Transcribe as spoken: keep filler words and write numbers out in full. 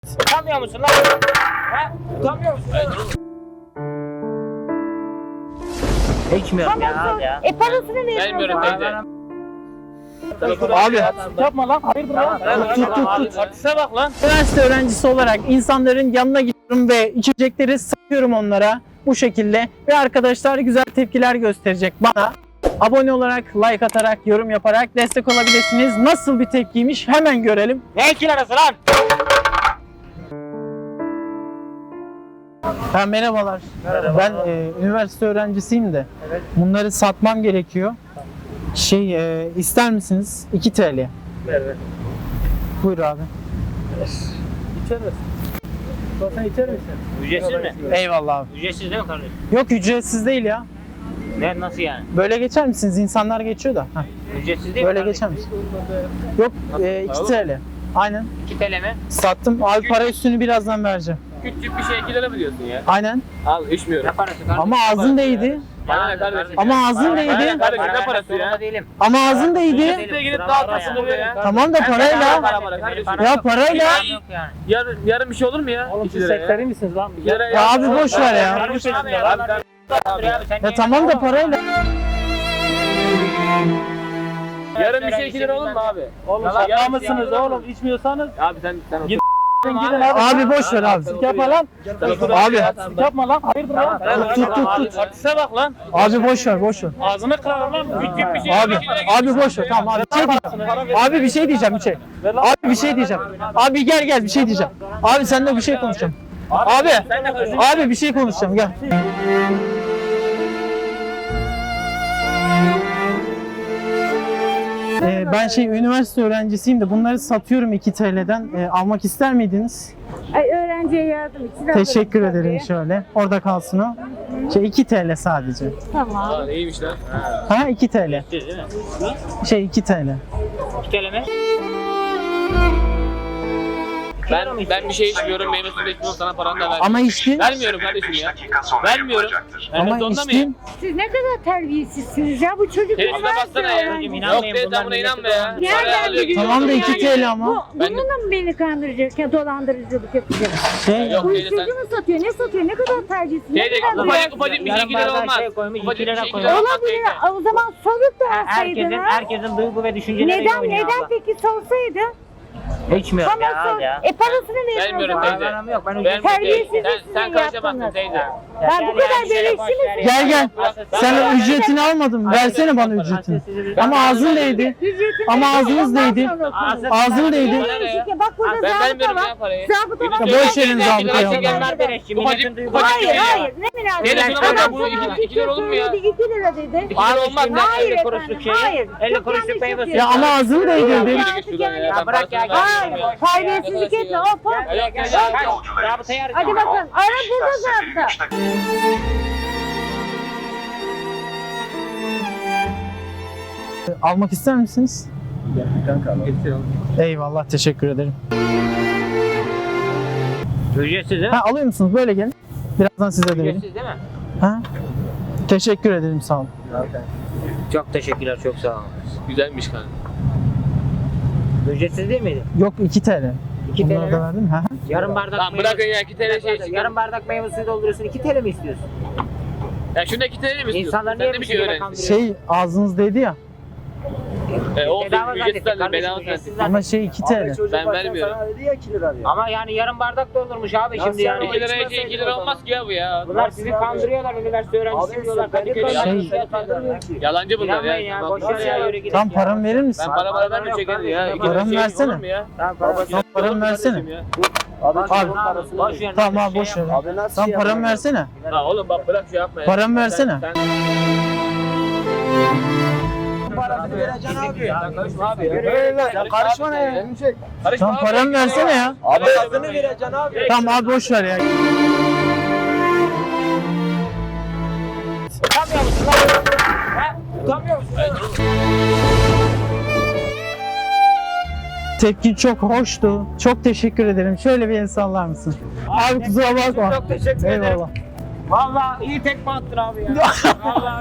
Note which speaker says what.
Speaker 1: Utanmıyor musun lan? He? Utanmıyor musun? İçmiyorum ya abi ya.
Speaker 2: E parasını verin.
Speaker 3: Vermiyorum teyze.
Speaker 4: Abi yapma lan. Hayırdır lan?
Speaker 3: Tut tut tut. Artiste bak lan.
Speaker 4: Üniversite öğrencisi olarak insanların yanına gidiyorum ve içecekleri satıyorum onlara bu şekilde. Ve arkadaşlar güzel tepkiler gösterecek bana. Abone olarak, like atarak, yorum yaparak destek olabilirsiniz. Nasıl bir tepkiymiş hemen görelim.
Speaker 1: Ne ikili arası lan?
Speaker 4: Ha, merhabalar.
Speaker 1: Merhaba.
Speaker 4: Ben e, üniversite öğrencisiyim de.
Speaker 1: Evet.
Speaker 4: Bunları satmam gerekiyor. Şey e, ister misiniz? iki TL.
Speaker 1: Ver ver.
Speaker 4: Buyur abi.
Speaker 1: İçer misin? Sen içer misin? Ücretsiz mi?
Speaker 4: Eyvallah abi.
Speaker 1: Ücretsiz değil mi kardeşim?
Speaker 4: Yok ücretsiz değil ya.
Speaker 1: Ne nasıl yani?
Speaker 4: Böyle geçer misiniz? İnsanlar geçiyor da. Heh.
Speaker 1: Ücretsiz değil mi?
Speaker 4: Böyle
Speaker 1: kardeşim?
Speaker 4: geçer misin? Yok e, iki TL. Aynen.
Speaker 1: iki T L mi?
Speaker 4: Sattım. Abi para üstünü birazdan vereceğim.
Speaker 3: Küçük bir şey iki lira mı diyorsun ya?
Speaker 4: Aynen.
Speaker 3: Al içmiyorum.
Speaker 1: Ne parası kardeşim?
Speaker 4: Ama ağzın değdi.
Speaker 3: Bana ne kardeşim?
Speaker 4: Ama ağzın
Speaker 3: Bana
Speaker 4: değdi.
Speaker 3: ne kardeşim ne parası ya?
Speaker 1: Zorunda değilim.
Speaker 4: Ama ağzın değdi.
Speaker 3: Ücretsiz gidip dağıtasın be ya.
Speaker 4: Tamam da parayla.
Speaker 3: Para para kardeşim.
Speaker 4: Ya parayla.
Speaker 1: Yok yani.
Speaker 3: Yarın, yarın bir şey olur mu ya?
Speaker 1: Oğlum
Speaker 3: İki
Speaker 1: siz
Speaker 3: lira ya.
Speaker 1: sektörü misiniz lan?
Speaker 3: İki lira
Speaker 4: Ya abi boş ver ya.
Speaker 3: Kardeşim
Speaker 1: Abi
Speaker 3: ya.
Speaker 1: ya.
Speaker 3: Abi sen-
Speaker 1: Abi ya, sen
Speaker 4: Ya
Speaker 1: niye-
Speaker 4: tamam da parayla.
Speaker 3: Yarın bir şey iki lira olur mu abi?
Speaker 1: Oğlum
Speaker 3: Yalan
Speaker 1: şaka
Speaker 3: mısınız
Speaker 1: mısınız oğlum? İçmiyorsanız
Speaker 3: Abi sen sen
Speaker 1: Git.
Speaker 3: otur.
Speaker 1: gidin abi.
Speaker 4: Abi boş ver abi.
Speaker 1: Yapma lan.
Speaker 3: Sen otur.
Speaker 4: Abi.
Speaker 1: Yapma lan. Hayırdır lan?
Speaker 4: Tut, tut, tut, tut.
Speaker 3: Artiste bak lan.
Speaker 4: Abi boş ver, boş ver.
Speaker 3: Ağzını kırarım lan. Küçük bir şey.
Speaker 4: Abi, abi boş ver. Tamam abi. Bir şey diyeceğim. Abi bir şey diyeceğim bir şey. Abi bir şey diyeceğim. Abi gel gel bir şey diyeceğim. Abi seninle bir şey konuşacağım. Abi, abi bir şey konuşacağım gel. Ee, ben şey üniversite öğrencisiyim de bunları satıyorum iki T L'den. Ee, almak ister miydiniz?
Speaker 2: Ay öğrenciye yardım için.
Speaker 4: Teşekkür
Speaker 2: alırım
Speaker 4: ederim
Speaker 2: tabii.
Speaker 4: şöyle. Orada kalsın o. Şey iki T L sadece.
Speaker 2: Tamam.
Speaker 3: Aa, iyiymiş lan.
Speaker 4: Ha iki T L.
Speaker 1: Ücretsiz değil mi?
Speaker 4: Şey iki T L.
Speaker 1: iki T L mi?
Speaker 3: Ben ben bir şey içmiyorum, meyve suyu da içmiyorum, sana paranı da vermiyorum.
Speaker 4: Ama içtin.
Speaker 3: Vermiyorum kardeşim ya. Vermiyorum. Ben
Speaker 4: Ama
Speaker 3: zorunda
Speaker 4: içtin.
Speaker 3: mıyım?
Speaker 2: Siz ne kadar terbiyesizsiniz ya bu çocuk.
Speaker 3: Teyze baksana ya.
Speaker 2: öğrenci.
Speaker 1: Hocam,
Speaker 3: Yok
Speaker 1: İnanmayın,
Speaker 3: teyze
Speaker 1: bunlar
Speaker 3: buna
Speaker 1: milleti
Speaker 3: inanma ya.
Speaker 1: dolandırıyor.
Speaker 3: Para
Speaker 2: Nereden
Speaker 3: alıyor,
Speaker 2: biliyorsun
Speaker 4: Tamam da iki
Speaker 2: yani?
Speaker 4: T L ama.
Speaker 2: Bu,
Speaker 3: Ben de-
Speaker 2: bununla mı beni kandıracak ya dolandırıcılık yapacak?
Speaker 4: Şey
Speaker 3: Yok teyze sen.
Speaker 2: Uyuşturucu mu satıyor? Ne satıyor? Ne kadar terbiyesiz? Ne
Speaker 3: Teyze
Speaker 2: kadar
Speaker 3: ufacık ufacık bir şey
Speaker 1: Yarım
Speaker 3: iki lira
Speaker 1: bardak
Speaker 3: olmaz.
Speaker 1: şey koymuş,
Speaker 3: Ufacık
Speaker 1: iki
Speaker 3: bir
Speaker 1: lira
Speaker 3: şey iki
Speaker 1: koymuş.
Speaker 3: lira olmaz
Speaker 2: Olabilir.
Speaker 3: teyze.
Speaker 2: O zaman sorup da
Speaker 1: Herkesin,
Speaker 2: alsaydınız.
Speaker 1: herkesin duygu ve düşünceleri
Speaker 2: Neden?
Speaker 1: oynuyor
Speaker 2: Neden
Speaker 1: abla.
Speaker 2: peki sorsaydı?
Speaker 1: İçmiyorum
Speaker 2: Tamam
Speaker 1: ya
Speaker 2: sor.
Speaker 1: abi ya.
Speaker 2: E parasını verin o
Speaker 3: Vermiyorum
Speaker 2: zaman.
Speaker 3: teyze.
Speaker 1: Param yok, ben
Speaker 3: Ben
Speaker 1: ücretsiz
Speaker 2: Terbiyesiz
Speaker 3: sen,
Speaker 2: sizin
Speaker 3: sen karışamazsın
Speaker 2: yaptığınız.
Speaker 3: teyze.
Speaker 2: Ben bu kadar beleşçi misiniz?
Speaker 4: Gel gel. Sen ücretini almadın. Versene bana ücretini. Ama ağzın değdi.
Speaker 2: Ücretini
Speaker 4: Ama
Speaker 2: verin,
Speaker 4: ağzınız
Speaker 2: ondan
Speaker 4: değdi.
Speaker 2: sonra okuruz.
Speaker 4: Ağzın değdi.
Speaker 3: Bana ne ya?
Speaker 2: Bak burada
Speaker 3: Ben
Speaker 2: zabıta
Speaker 3: vermiyorum
Speaker 2: var.
Speaker 3: ya parayı.
Speaker 2: Zabıta var.
Speaker 4: Ya boş verin zabıtayı
Speaker 3: Ufacık-
Speaker 4: abla.
Speaker 1: Bunlar beleşçi,
Speaker 3: Ufacık-
Speaker 1: milletin duygu
Speaker 3: ufacık
Speaker 2: Hayır
Speaker 3: bir şey ya.
Speaker 2: hayır ne münasebet.
Speaker 3: Teyze şuna bak,
Speaker 2: Adam
Speaker 3: bu
Speaker 2: sana
Speaker 3: iki-
Speaker 2: bir
Speaker 3: iki lira olur mu ya?
Speaker 2: söyledi, iki lira dedi.
Speaker 3: İki lira olmaz lan.
Speaker 2: Hayır
Speaker 1: elli kuruşluk
Speaker 2: efendim,
Speaker 1: şey.
Speaker 2: hayır.
Speaker 1: elli
Speaker 2: Çok
Speaker 1: kuruşluk
Speaker 2: yanlış
Speaker 1: meyve suyu.
Speaker 4: Ya ama
Speaker 2: yapıyorsun.
Speaker 4: ağzın değdi.
Speaker 2: Ya,
Speaker 4: dedi.
Speaker 2: artık yani.
Speaker 1: Ya bırak ya.
Speaker 2: Hayır, terbiyesizlik etme. Hop hop.
Speaker 1: Gel gel gel. Rabıtayı arayacağım.
Speaker 2: Hadi bakalım. Ara burada zaten.
Speaker 4: Almak ister misiniz? Eyvallah teşekkür ederim.
Speaker 1: Ücretsiz değil mi?
Speaker 4: Ha alıyor musunuz? Böyle gelin. Birazdan size de vereyim.
Speaker 1: Ücretsiz değil mi?
Speaker 4: Ha? Teşekkür ederim sağ olun.
Speaker 1: Çok teşekkürler, çok sağ olun.
Speaker 3: Güzelmiş kanka.
Speaker 1: Ücretsiz değil miydi?
Speaker 4: Yok iki T L.
Speaker 1: iki T L
Speaker 4: Bunları
Speaker 1: mi?
Speaker 4: da verdim. Ha?
Speaker 1: Yarım bardak
Speaker 3: Tamam
Speaker 1: meyve
Speaker 3: bırakın
Speaker 1: suyu-
Speaker 3: ya iki T L şey çıkar.
Speaker 1: Yarım bardak meyve suyu dolduruyorsun, iki T L mi istiyorsun?
Speaker 3: Ya şunda iki T L mi istiyorsun?
Speaker 1: İnsanlar
Speaker 3: Sen
Speaker 1: niye
Speaker 3: de
Speaker 1: bir
Speaker 3: bir şey
Speaker 1: şekilde
Speaker 3: öğren.
Speaker 1: kandırıyor?
Speaker 4: Şey ağzınız değdi ya.
Speaker 3: E olsun
Speaker 1: Bedava
Speaker 3: ücretsiz
Speaker 1: zannettik
Speaker 3: zaten
Speaker 1: kardeşim,
Speaker 3: bedava
Speaker 1: ücretsiz
Speaker 3: sensin.
Speaker 1: zaten.
Speaker 4: Ama şey iki T L.
Speaker 3: Ben vermiyorum.
Speaker 1: Ama yani yarım bardak doldurmuş abi şimdi yani.
Speaker 3: iki liraya şey iki lira olmaz ki ya bu ya.
Speaker 1: Bunlar sizi kandırıyorlar, üniversite öğrencisi diyorlar. Kadıköy'de
Speaker 4: Şey-
Speaker 1: şey kandırmıyor ki.
Speaker 3: Yalancı bunlar
Speaker 1: İnanmayın ya,
Speaker 3: ya.
Speaker 1: boş ver ya, yürü gidin
Speaker 4: Tam
Speaker 1: ya.
Speaker 4: paramı verir misin?
Speaker 3: Ben para para vermiyorum çekerim ya. İki lira
Speaker 4: Paramı
Speaker 3: şey
Speaker 4: versene.
Speaker 3: olur mu ya?
Speaker 1: Tamam, para-
Speaker 4: Tam paramı versene.
Speaker 3: Kardeşim ya.
Speaker 4: Abi.
Speaker 1: Boş ver.
Speaker 4: Tamam abi boş ver. Tam paramı versene.
Speaker 3: Ha oğlum bak bırak şey yapma ya.
Speaker 4: Paramı versene.
Speaker 3: Sen, sen...
Speaker 5: Parasını vereceksin abi.
Speaker 3: Sen karışma abi ya.
Speaker 5: Sen karışma ne ya?
Speaker 3: Karışma
Speaker 4: Tam
Speaker 3: abi.
Speaker 4: paramı versene ya.
Speaker 5: Abi parasını vereceksin abi.
Speaker 4: Tamam abi boş ver ya.
Speaker 1: Utanmıyor musun lan? He? Utanmıyor musun?
Speaker 4: Tepkin çok hoştu. Çok teşekkür ederim. Şöyle bir el sallar mısın? Abi kusura bakma.
Speaker 1: Çok teşekkür ederim.
Speaker 4: Eyvallah.
Speaker 1: Vallahi iyi tekme attın abi ya. Vallahi